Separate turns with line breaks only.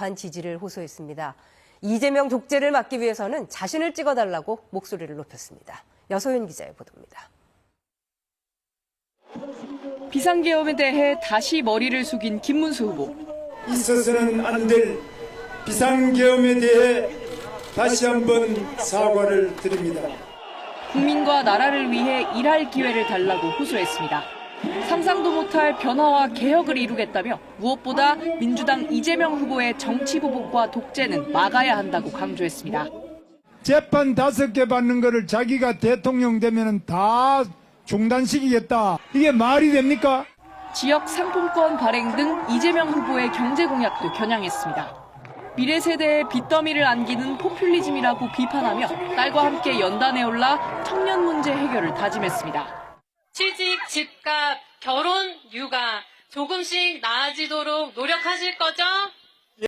적합한 지지를 호소했습니다. 이재명 독재를 막기 위해서는 자신을 찍어달라고 목소리를 높였습니다. 여소윤 기자의 보도입니다.
비상계엄에 대해 다시 머리를 숙인 김문수 후보.
있어서는 안 될 비상계엄에 대해 다시 한번 사과를 드립니다.
국민과 나라를 위해 일할 기회를 달라고 호소했습니다. 상상도 못할 변화와 개혁을 이루겠다며 무엇보다 민주당 이재명 후보의 정치 보복과 독재는 막아야 한다고 강조했습니다.
재판 5개 받는 거를 자기가 대통령 되면은 다 중단시키겠다. 이게 말이 됩니까?
지역 상품권 발행 등 이재명 후보의 경제 공약도 겨냥했습니다. 미래 세대에 빚더미를 안기는 포퓰리즘이라고 비판하며 딸과 함께 연단에 올라 청년 문제 해결을 다짐했습니다.
취직, 집값, 결혼, 육아 조금씩 나아지도록 노력하실 거죠?